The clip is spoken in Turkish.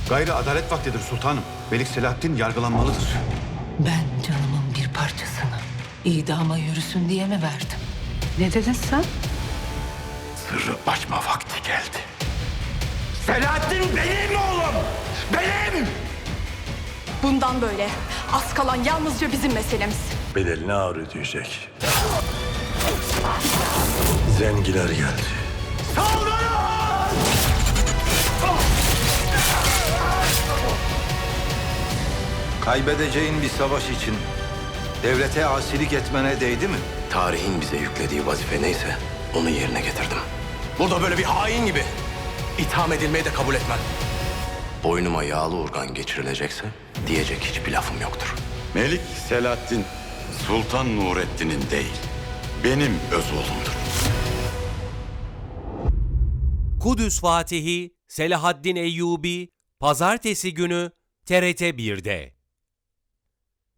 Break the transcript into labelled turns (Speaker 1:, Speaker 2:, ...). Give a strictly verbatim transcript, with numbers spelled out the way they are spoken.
Speaker 1: Gayrı adalet vaktidir sultanım. Melik Selahattin yargılanmalıdır.
Speaker 2: Ben canımın bir parçasını idama yürüsün diye mi verdim?
Speaker 3: Ne dedin sen?
Speaker 1: Sırrı açma vakti geldi. Selahattin benim oğlum! Benim!
Speaker 4: Bundan böyle az kalan yalnızca bizim meselemiz.
Speaker 5: Bedelini ağır ödeyecek. Zengiler geldi.
Speaker 6: Kaybedeceğin bir savaş için devlete asilik etmene değdi mi?
Speaker 7: Tarihin bize yüklediği vazife neyse onu yerine getirdim. Burada böyle bir hain gibi itham edilmeyi de kabul etmem. Boynuma yağlı urgan geçirilecekse diyecek hiçbir lafım yoktur.
Speaker 8: Melik Selahattin, Sultan Nurettin'in değil, benim öz oğlumdur.
Speaker 9: Kudüs Fatihi Selahaddin Eyyubi Pazartesi günü T R T bir'de.